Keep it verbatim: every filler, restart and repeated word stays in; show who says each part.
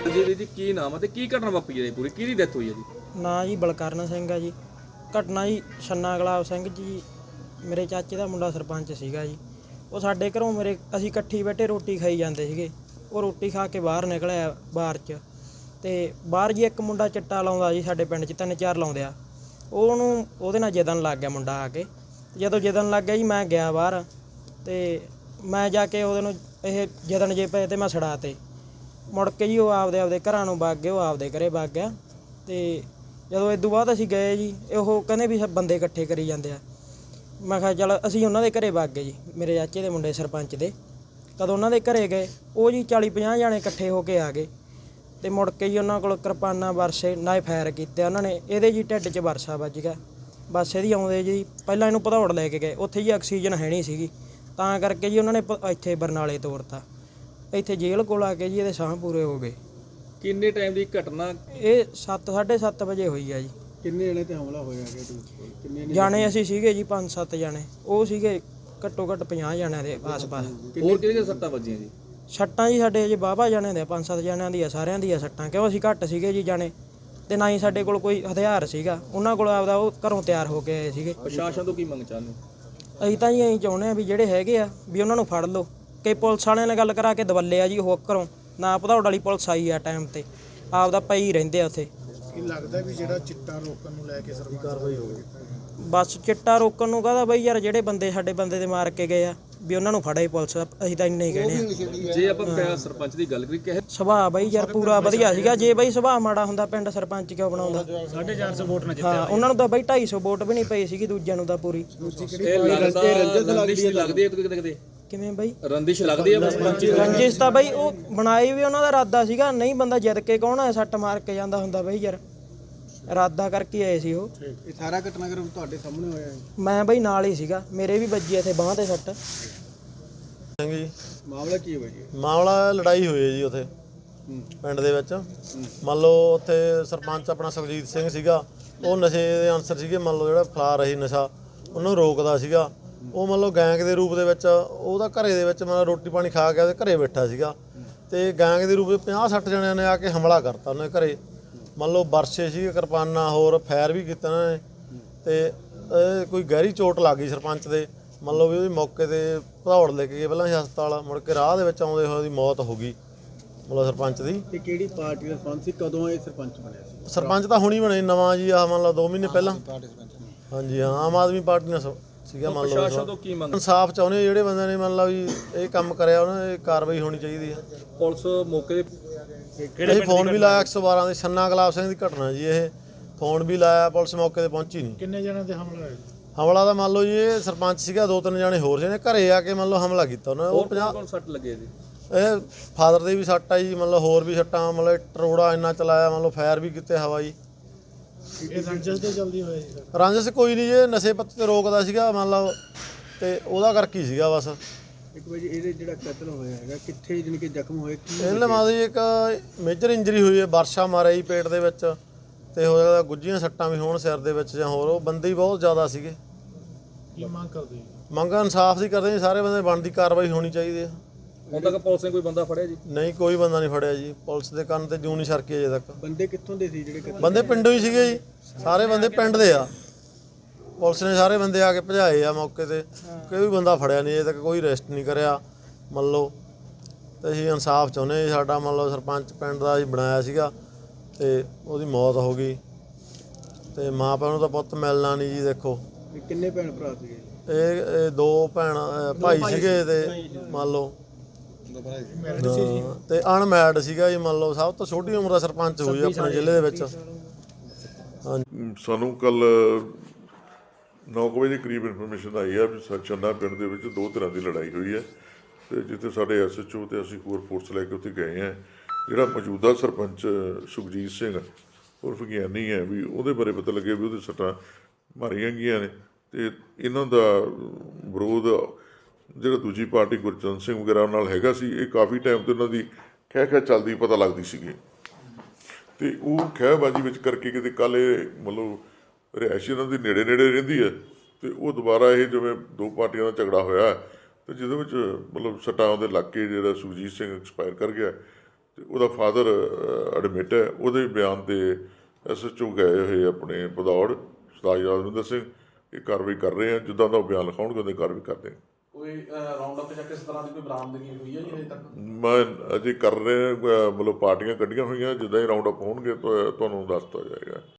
Speaker 1: जी जी की नाम है की घटना वापरी है पूरी की डेथ हुई है जी?
Speaker 2: ਨਾਂ ਜੀ ਬਲਕਰਨ ਸਿੰਘ ਆ ਜੀ। ਘਟਨਾ ਜੀ ਛੰਨਾ ਗੁਲਾਬ ਸਿੰਘ ਜੀ ਮੇਰੇ ਚਾਚੇ ਦਾ ਮੁੰਡਾ ਸਰਪੰਚ ਸੀਗਾ ਜੀ। ਉਹ ਸਾਡੇ ਘਰੋਂ ਮੇਰੇ ਅਸੀਂ ਇਕੱਠੀ ਬੈਠੇ ਰੋਟੀ ਖਾਈ ਜਾਂਦੇ ਸੀਗੇ। ਉਹ ਰੋਟੀ ਖਾ ਕੇ ਬਾਹਰ ਨਿਕਲਿਆ ਬਾਹਰ 'ਚ ਅਤੇ ਬਾਹਰ ਜੀ ਇੱਕ ਮੁੰਡਾ ਚਿੱਟਾ ਲਾਉਂਦਾ ਜੀ ਸਾਡੇ ਪਿੰਡ 'ਚ ਤਿੰਨ ਚਾਰ ਲਾਉਂਦੇ ਆ। ਉਹਨੂੰ ਉਹਦੇ ਨਾਲ ਜਿੱਦਣ ਲੱਗ ਗਿਆ ਮੁੰਡਾ ਆ ਕੇ। ਜਦੋਂ ਜਿੱਦਣ ਲੱਗ ਗਿਆ ਜੀ ਮੈਂ ਗਿਆ ਬਾਹਰ ਅਤੇ ਮੈਂ ਜਾ ਕੇ ਉਹਦੇ ਨੂੰ ਇਹ ਜਿੱਦਣ ਜੇ ਪਏ ਅਤੇ ਮੈਂ ਛੁਡਾ ਤੇ ਮੁੜ ਕੇ ਜੀ ਉਹ ਆਪਦੇ ਆਪਦੇ ਘਰਾਂ ਨੂੰ ਵਗ ਗਏ। ਉਹ ਆਪਦੇ ਘਰੇ ਵਗ ਗਿਆ ਅਤੇ ਜਦੋਂ ਇਸ ਤੋਂ ਬਾਅਦ ਅਸੀਂ ਗਏ ਜੀ ਉਹ ਕਹਿੰਦੇ ਵੀ ਸਭ ਬੰਦੇ ਇਕੱਠੇ ਕਰੀ ਜਾਂਦੇ ਆ। ਮੈਂ ਕਿਹਾ ਚੱਲ ਅਸੀਂ ਉਹਨਾਂ ਦੇ ਘਰੇ ਵਗ ਗਏ ਜੀ ਮੇਰੇ ਚਾਚੇ ਦੇ ਮੁੰਡੇ ਸਰਪੰਚ ਦੇ। ਕਦੋਂ ਉਹਨਾਂ ਦੇ ਘਰੇ ਗਏ ਉਹ ਜੀ ਚਾਲੀ ਪੰਜਾਹ ਜਾਣੇ ਇਕੱਠੇ ਹੋ ਕੇ ਆ ਗਏ ਅਤੇ ਮੁੜ ਕੇ ਜੀ ਉਹਨਾਂ ਕੋਲ ਕਿਰਪਾਨਾਂ ਵਰਸੇ ਨਾਇ ਫਾਇਰ ਕੀਤੇ ਉਹਨਾਂ ਨੇ। ਇਹਦੇ ਜੀ ਢਿੱਡ 'ਚ ਵਰਸਾ ਵੱਜ ਗਿਆ। ਬਸ ਇਹਦੀ ਆਉਂਦੇ ਜੀ ਪਹਿਲਾਂ ਇਹਨੂੰ ਭਦੌੜ ਲੈ ਕੇ ਗਏ। ਉੱਥੇ ਜੀ ਆਕਸੀਜਨ ਹੈ ਨਹੀਂ ਸੀਗੀ ਤਾਂ ਕਰਕੇ ਜੀ ਉਹਨਾਂ ਨੇ ਪ ਇੱਥੇ ਬਰਨਾਲੇ ਤੋਰਤਾ। ਇੱਥੇ ਜੇਲ੍ਹ ਕੋਲ ਆ ਕੇ ਜੀ ਇਹਦੇ ਸਾਹ ਪੂਰੇ ਹੋ ਗਏ।
Speaker 1: ਕਿੰਨੇ ਟਾਈਮ ਦੀ ਘਟਨਾ?
Speaker 2: ਇਹ ਸੱਤ ਸਾਢੇ ਸੱਤ ਵਜੇ ਹੋਈ ਆ ਜੀ।
Speaker 3: ਕਿੰਨੇ ਜਣੇ ਤੇ ਹਮਲਾ ਹੋਇਆ ਹੈਗਾ? ਕਿੰਨੇ
Speaker 2: ਜਾਣੇ ਅਸੀਂ ਸੀਗੇ ਜੀ ਪੰਜ ਸੱਤ ਜਾਣੇ। ਉਹ ਸੀਗੇ ਘੱਟੋ ਘੱਟ ਪੰਜਾਹ ਜਣਿਆਂ ਦੇ ਆਸ-ਪਾਸ।
Speaker 1: ਹੋਰ ਕਿਹੜੀਆਂ ਸੱਟਾਂ ਵੱਜੀਆਂ ਜੀ?
Speaker 2: ਸੱਟਾਂ ਜੀ ਸਾਡੇ ਜੀ ਵਾਹਵਾ ਜਾਣਿਆਂ ਦੇ ਪੰਜ ਸੱਤ ਜਣਿਆਂ ਦੀ ਆ ਸਾਰਿਆਂ ਦੀ ਆ ਸੱਟਾਂ ਕਿਉਂ ਅਸੀਂ ਘੱਟ ਸੀਗੇ ਜੀ ਜਾਣੇ ਅਤੇ ਨਾ ਹੀ ਸਾਡੇ ਕੋਲ ਕੋਈ ਹਥਿਆਰ ਸੀਗਾ। ਉਹਨਾਂ ਕੋਲ ਆਪਦਾ ਉਹ ਘਰੋਂ ਤਿਆਰ ਹੋ ਕੇ ਆਏ ਸੀਗੇ।
Speaker 1: ਪ੍ਰਸ਼ਾਸਨ ਤੋਂ ਕੀ ਮੰਗ ਚਾਹੁੰਦੇ?
Speaker 2: ਅਸੀਂ ਤਾਂ ਜੀ ਅਸੀਂ ਚਾਹੁੰਦੇ ਹਾਂ ਵੀ ਜਿਹੜੇ ਹੈਗੇ ਆ ਵੀ ਉਹਨਾਂ ਨੂੰ ਫੜ ਲਓ। ਕਿ ਪੁਲਿਸ ਵਾਲਿਆਂ ਨਾਲ ਗੱਲ ਕਰਾ ਕੇ ਦਵੱਲੇ ਆ ਜੀ ਉਹ ਘਰੋਂ ਨਾ ਭਦੌੜ ਵਾਲੀ ਪੁਲਿਸ ਆਈ ਆ ਟਾਈਮ 'ਤੇ ਆਪਦਾ ਪਈ ਰਹਿੰਦੇ ਆ ਉੱਥੇ।
Speaker 3: ਕੀ ਲੱਗਦਾ ਵੀ ਜਿਹੜਾ ਚਿੱਟਾ ਰੋਕਣ ਨੂੰ ਲੈ ਕੇ ਸਰਕਾਰ ਕਾਰਵਾਈ ਹੋਵੇ?
Speaker 2: ਬਸ ਚਿੱਟਾ ਰੋਕਣ ਨੂੰ ਕਹਦਾ ਬਈ ਯਾਰ ਜਿਹੜੇ ਬੰਦੇ ਸਾਡੇ ਬੰਦੇ ਦੇ ਮਾਰ ਕੇ ਗਏ ਆ ਵੀ ਉਹਨਾਂ ਨੂੰ ਫੜੇ ਪੁਲਿਸ। ਅਸੀਂ ਤਾਂ ਇੰਨੇ ਹੀ ਕਹਿੰਦੇ ਆ।
Speaker 1: ਜੇ ਆਪਾਂ ਸਰਪੰਚ ਦੀ ਗੱਲ ਕਰੀ ਕਿ
Speaker 2: ਸੁਭਾਅ ਬਈ ਯਾਰ ਪੂਰਾ ਵਧੀਆ ਸੀਗਾ। ਜੇ ਬਈ ਸੁਭਾਅ ਮਾੜਾ ਹੁੰਦਾ ਪਿੰਡ ਸਰਪੰਚ ਕਿਉਂ ਬਣਾਉਂਦਾ?
Speaker 3: ਸਾਢੇ ਚਾਰ ਸੌ ਵੋਟ ਨਾਲ ਜਿੱਤਿਆ।
Speaker 2: ਹਾਂ ਉਹਨਾਂ ਨੂੰ ਤਾਂ ਬਈ ਢਾਈ ਸੌ ਵੋਟ ਵੀ ਨਹੀਂ ਪਈ ਸੀਗੀ ਦੂਜਿਆਂ ਨੂੰ ਤਾਂ ਪੂਰੀ।
Speaker 1: ਰੰਜਿਸ਼ ਲੱਗਦੀ ਹੈ ਕਿਤੇ ਕਿਤੇ?
Speaker 2: ਕਿਵੇਂ ਬਈ
Speaker 1: ਰੰਜਿਸ਼ ਲੱਗਦੀ ਹੈ ਸਰਪੰਚ?
Speaker 2: ਰੰਜਿਸ਼ ਤਾਂ ਬਈ ਉਹ ਬਣਾਈ ਵੀ ਉਹਨਾਂ ਦਾ ਇਰਾਦਾ ਸੀਗਾ। ਨਹੀਂ ਬੰਦਾ ਜਿੱਤ ਕੇ ਕੌਣ ਹੈ ਸੱਟ ਮਾਰ ਕੇ ਜਾਂਦਾ ਹੁੰਦਾ ਬਈ ਯਾਰ। ਇਰਾਦਾ ਕਰਕੇ ਆਏ ਸੀ ਉਹ।
Speaker 3: ਇਹ ਸਾਰਾ ਘਟਨਾਕ੍ਰਮ ਤੁਹਾਡੇ ਸਾਹਮਣੇ ਹੋਇਆ ਹੈ?
Speaker 2: ਮੈਂ ਬਈ ਨਾਲ ਹੀ ਸੀਗਾ। ਮੇਰੇ ਵੀ ਵੱਜੀ ਇੱਥੇ ਬਾਂਹ ਤੇ ਸੱਟ।
Speaker 4: ਸਿੰਘ ਜੀ
Speaker 3: ਮਾਮਲਾ ਕੀ ਹੈ ਜੀ?
Speaker 4: ਮਾਮਲਾ ਲੜਾਈ ਹੋਈ ਹੈ ਜੀ ਉੱਥੇ ਪਿੰਡ ਦੇ ਵਿੱਚ। ਮੰਨ ਲਓ ਉੱਥੇ ਸਰਪੰਚ ਆਪਣਾ ਸੁਖਜੀਤ ਸਿੰਘ ਸੀਗਾ। ਉਹ ਨਸ਼ੇ ਦੇ ਅਨਸਰ ਸੀਗੇ। ਮੰਨ ਲਓ ਜਿਹੜਾ ਫਲਾ ਰਹੀ ਨਸ਼ਾ ਉਹਨੂੰ ਰੋਕਦਾ ਸੀਗਾ। ਉਹ ਮੰਨ ਲਓ ਗੈਂਗ ਦੇ ਰੂਪ ਦੇ ਵਿੱਚ ਉਹਦਾ ਘਰੇ ਦੇ ਵਿੱਚ ਮਤਲਬ ਰੋਟੀ ਪਾਣੀ ਖਾ ਕੇ ਉਹਦੇ ਘਰੇ ਬੈਠਾ ਸੀਗਾ ਅਤੇ ਗੈਂਗ ਦੇ ਰੂਪ ਵਿੱਚ ਪੰਜਾਹ ਸੱਠ ਜਣਿਆਂ ਨੇ ਆ ਕੇ ਹਮਲਾ ਕਰਤਾ ਉਹਨੇ ਘਰੇ। ਮੰਨ ਲਓ ਵਰਸੇ ਸੀਗੇ ਕਿਰਪਾਨਾਂ ਹੋਰ ਫਾਇਰ ਵੀ ਕੀਤਾ ਉਹਨਾਂ ਨੇ ਅਤੇ ਕੋਈ ਗਹਿਰੀ ਚੋਟ ਲੱਗ ਗਈ ਸਰਪੰਚ ਦੇ। ਮੰਨ ਲਓ ਵੀ ਉਹਦੀ ਮੌਕੇ 'ਤੇ ਭਦੌੜ ਲੈ ਕੇ ਗਏ ਪਹਿਲਾਂ ਹਸਪਤਾਲ। ਮੁੜ ਕੇ ਰਾਹ ਦੇ ਵਿੱਚ ਆਉਂਦੇ ਹੋਏ ਉਹਦੀ ਮੌਤ ਹੋ ਗਈ ਮਤਲਬ ਸਰਪੰਚ ਦੀ।
Speaker 3: ਤੇ ਕਿਹੜੀ ਪਾਰਟੀ ਦਾ ਸਰਪੰਚ ਸੀ? ਕਦੋਂ ਇਹ ਸਰਪੰਚ ਬਣਿਆ ਸੀ?
Speaker 4: ਸਰਪੰਚ ਤਾਂ ਹੁਣੀ ਬਣੇ ਨਵਾਂ ਜੀ ਆਹ ਮੰਨ ਲਓ ਦੋ ਮਹੀਨੇ ਪਹਿਲਾਂ। ਹਾਂਜੀ ਹਾਂ ਆਮ ਆਦਮੀ ਪਾਰਟੀ ਨਾਲ ਸੀਗਾ। ਮੰਨ ਲਓ
Speaker 1: ਪ੍ਰਸ਼ਾਸਨ ਤੋਂ ਕੀ ਮੰਗ?
Speaker 4: ਇਨਸਾਫ ਚਾਹੁੰਦੇ ਜਿਹੜੇ ਬੰਦੇ ਨੇ ਮੰਨ ਲਓ ਵੀ ਇਹ ਕੰਮ ਕਰਿਆ ਉਹਨਾਂ ਦੀ ਕਾਰਵਾਈ ਹੋਣੀ ਚਾਹੀਦੀ ਹੈ।
Speaker 1: ਪੁਲਿਸ ਮੌਕੇ ਤੇ
Speaker 4: ਇਹ ਫੋਨ ਵੀ ਲਾਇਆ ਇੱਕ ਸੌ ਬਾਰਾਂ ਦੇ ਛੰਨਾ ਗੁਲਾਬ ਸਿੰਘ ਦੀ ਘਟਨਾ ਜੀ। ਇਹ ਫੋਨ ਵੀ ਲਾਇਆ ਪੁਲਿਸ ਮੌਕੇ ਤੇ ਪਹੁੰਚੀ ਨਹੀਂ।
Speaker 3: ਕਿੰਨੇ ਜਣਿਆਂ ਤੇ ਹਮਲਾ ਹੋਇਆ?
Speaker 4: ਹਮਲਾ ਦਾ ਮੰਨ ਲਓ ਜੀ ਇਹ ਸਰਪੰਚ ਸੀਗਾ ਦੋ ਤਿੰਨ ਜਾਣੇ ਹੋਰ ਜਿਹਨੇ ਘਰੇ ਆ ਕੇ ਮੰਨ ਲਓ ਹਮਲਾ ਕੀਤਾ ਉਹਨਾਂ। ਉਹ ਪੰਜਾਹ
Speaker 1: ਕੌਣ ਸੱਟ ਲੱਗੇ ਜੀ?
Speaker 4: ਇਹ ਫਾਦਰ ਦੇ ਵੀ ਸੱਟ ਆ ਜੀ। ਮੰਨ ਲਓ ਹੋਰ ਵੀ ਸੱਟਾਂ ਮੰਨ ਲਓ ਟਰੋੜਾ ਇੰਨਾ ਚਲਾਇਆ ਮੰਨ ਲਓ ਫਾਇਰ ਵੀ ਕੀਤੇ ਹਵਾਈ।
Speaker 3: ਇਹ ਰੰਜਸ ਤੇ ਜਲਦੀ ਹੋਇਆ ਜੀ?
Speaker 4: ਰਾਂਝਸ ਕੋਈ ਨਹੀਂ ਜੀ ਨਸ਼ੇ ਪੱਤੇ ਤੇ ਰੋਕਦਾ ਸੀਗਾ ਮੰਨ ਲਓ ਅਤੇ ਉਹਦਾ ਕਰਕੇ ਹੀ ਸੀਗਾ ਬਸ।
Speaker 3: ਇੱਕ ਵਜੇ ਇਹਦੇ ਜਿਹੜਾ ਕਤਲ ਹੋਇਆ ਹੈਗਾ ਕਿੱਥੇ ਜਾਣੀ ਕਿ ਜ਼ਖਮ ਹੋਏ ਕੀ?
Speaker 4: ਇਹਨਾਂ ਮਾਂ ਦੀ ਇੱਕ ਮੇਜਰ ਇੰਜਰੀ ਹੋਈ ਹੈ ਵਰਸ਼ਾ ਮਾਰਿਆ ਜੀ ਪੇਟ ਦੇ ਵਿੱਚ ਅਤੇ ਹੋ ਸਕਦਾ ਗੁੱਝੀਆਂ ਸੱਟਾਂ ਵੀ ਹੋਣ ਸਿਰ ਦੇ ਵਿੱਚ ਜਾਂ ਹੋਰ। ਉਹ ਬੰਦੇ ਹੀ ਬਹੁਤ ਜ਼ਿਆਦਾ ਸੀਗੇ।
Speaker 3: ਕੀ ਮੰਗ ਕਰਦੇ?
Speaker 4: ਮੰਗ ਇਨਸਾਫ ਦੀ ਕਰਦੇ ਜੀ। ਸਾਰੇ ਬੰਦੇ ਬਣਦੀ ਕਾਰਵਾਈ ਹੋਣੀ ਚਾਹੀਦੀ ਹੈ।
Speaker 1: ਹੁਣ ਤੱਕ ਪੁਲਿਸ ਨੇ ਕੋਈ ਬੰਦਾ ਫੜਿਆ ਜੀ?
Speaker 4: ਨਹੀਂ ਕੋਈ ਬੰਦਾ ਨਹੀਂ ਫੜਿਆ ਜੀ। ਪੁਲਿਸ ਦੇ ਕੰਨ ਤੇ ਜੂੰ ਨਹੀਂ ਸਰਕੀ ਅਜੇ ਤੱਕ।
Speaker 3: ਬੰਦੇ ਕਿੱਥੋਂ ਦੇ ਸੀ ਜਿਹੜੇ ਕਤਲ?
Speaker 4: ਬੰਦੇ ਪਿੰਡੋਂ ਹੀ ਸੀਗੇ ਜੀ। ਸਾਰੇ ਬੰਦੇ ਪਿੰਡ ਦੇ ਆ। ਪੁਲਿਸ ਨੇ ਸਾਰੇ ਬੰਦੇ ਆ ਕੇ ਭਜਾਏ ਆ ਮੌਕੇ 'ਤੇ। ਕੋਈ ਵੀ ਬੰਦਾ ਫੜਿਆ ਨਹੀਂ ਅਜੇ ਤੱਕ। ਕੋਈ ਅਰੈਸਟ ਨਹੀਂ ਕਰਿਆ ਮੰਨ ਲਓ। ਅਤੇ ਅਸੀਂ ਇਨਸਾਫ ਚਾਹੁੰਦੇ ਜੀ। ਸਾਡਾ ਮੰਨ ਲਓ ਸਰਪੰਚ ਪਿੰਡ ਦਾ ਅਸੀਂ ਬਣਾਇਆ ਸੀਗਾ ਅਤੇ ਉਹਦੀ ਮੌਤ ਹੋ ਗਈ ਅਤੇ ਮਾਂ ਪਿਓ ਨੂੰ ਤਾਂ ਪੁੱਤ ਮਿਲਣਾ ਨਹੀਂ ਜੀ। ਦੇਖੋ
Speaker 3: ਇਹ ਕਿੰਨੇ ਭੈਣ ਭਰਾ ਸੀਗੇ?
Speaker 4: ਇਹ ਇਹ ਦੋ ਭੈਣ ਭਾਈ ਸੀਗੇ ਅਤੇ ਮੰਨ ਲਓ ਅਤੇ ਅਨਮੈਰਿਡ ਸੀਗਾ ਜੀ। ਮੰਨ ਲਓ ਸਭ ਤੋਂ ਛੋਟੀ ਉਮਰ ਦਾ ਸਰਪੰਚ ਹੋਈ ਆਪਣੇ ਜ਼ਿਲ੍ਹੇ ਦੇ ਵਿੱਚ। ਹਾਂਜੀ
Speaker 5: ਸਾਨੂੰ ਕੱਲ ਨੌ ਕੁ ਵਜੇ ਦੇ ਕਰੀਬ ਇਨਫੋਰਮੇਸ਼ਨ ਆਈ ਆ ਵੀ ਛੰਨਾ ਪਿੰਡ ਦੇ ਵਿੱਚ ਦੋ ਤਰ੍ਹਾਂ ਦੀ ਲੜਾਈ ਹੋਈ ਹੈ ਅਤੇ ਜਿੱਥੇ ਸਾਡੇ ਐਸ ਐਚ ਓ ਅਤੇ ਅਸੀਂ ਹੋਰ ਫੋਰਸ ਲੈ ਕੇ ਉੱਥੇ ਗਏ ਹਾਂ। ਜਿਹੜਾ ਮੌਜੂਦਾ ਸਰਪੰਚ ਸੁਖਜੀਤ ਸਿੰਘ ਉਰਫ ਗਿਆਨੀ ਹੈ ਵੀ ਉਹਦੇ ਬਾਰੇ ਪਤਾ ਲੱਗਿਆ ਵੀ ਉਹਦੇ ਸੱਟਾਂ ਮਾਰੀਆਂ ਗਈਆਂ ਨੇ ਅਤੇ ਇਹਨਾਂ ਦਾ ਵਿਰੋਧ ਜਿਹੜਾ ਦੂਜੀ ਪਾਰਟੀ ਗੁਰਚਰਨ ਸਿੰਘ ਵਗੈਰਾ ਨਾਲ ਹੈਗਾ ਸੀ। ਇਹ ਕਾਫੀ ਟਾਈਮ ਤੋਂ ਇਹਨਾਂ ਦੀ ਖਹਿ ਖਹਿ ਚੱਲਦੀ ਪਤਾ ਲੱਗਦੀ ਸੀਗੀ ਅਤੇ ਉਹ ਖਹਿਬਾਜ਼ੀ ਵਿੱਚ ਕਰਕੇ ਕਿਤੇ ਕੱਲ੍ਹ ਇਹ ਮਤਲਬ ਰਿਹਾਇਸ਼ ਇਹਨਾਂ ਦੀ ਨੇੜੇ ਨੇੜੇ ਰਹਿੰਦੀ ਹੈ ਅਤੇ ਉਹ ਦੁਬਾਰਾ ਇਹ ਜਿਵੇਂ ਦੋ ਪਾਰਟੀਆਂ ਦਾ ਝਗੜਾ ਹੋਇਆ ਅਤੇ ਜਿਹਦੇ ਵਿੱਚ ਮਤਲਬ ਸੱਟਾਂ ਉਹਦੇ ਲੱਗ ਕੇ ਜਿਹੜਾ ਸੁਖਜੀਤ ਸਿੰਘ ਐਕਸਪਾਇਰ ਕਰ ਗਿਆ ਤੇ ਉਹਦਾ ਫਾਦਰ ਐਡਮਿਟ ਹੈ। ਉਹਦੇ ਬਿਆਨ ਤੇ ਐਸ ਐਚ ਓ ਗਏ ਹੋਏ ਆਪਣੇ ਭਦੌੜ ਸਰਦਾਰ ਯਾਦਵਿੰਦਰ ਸਿੰਘ ਇਹ ਕਾਰਵਾਈ ਕਰ ਰਹੇ ਆ। ਜਿੱਦਾਂ ਦਾ ਉਹ ਬਿਆਨ ਲਿਖਾਉਣਗੇ ਉਹਦੀ ਕਾਰਵਾਈ ਕਰਦੇ ਹਾਂ।
Speaker 1: ਕੋਈ ਰਾਉਂਡ ਅਪ ਜਾਂ ਕਿਸ ਤਰ੍ਹਾਂ ਦੀ ਕੋਈ ਬਰਾਮਦਗੀ ਹੋਈ ਹੈ ਜੀ ਹਜੇ ਤੱਕ?
Speaker 5: ਮੈਂ ਅਜੇ ਕਰ ਰਹੇ ਮਤਲਬ ਪਾਰਟੀਆਂ ਕੱਢੀਆਂ ਹੋਈਆਂ, ਜਿੱਦਾਂ ਹੀ ਰਾਉਂਡ ਅਪ ਹੋਣਗੇ ਤਾਂ ਤੁਹਾਨੂੰ ਦੱਸ ਦਿੱਤਾ ਜਾਏਗਾ।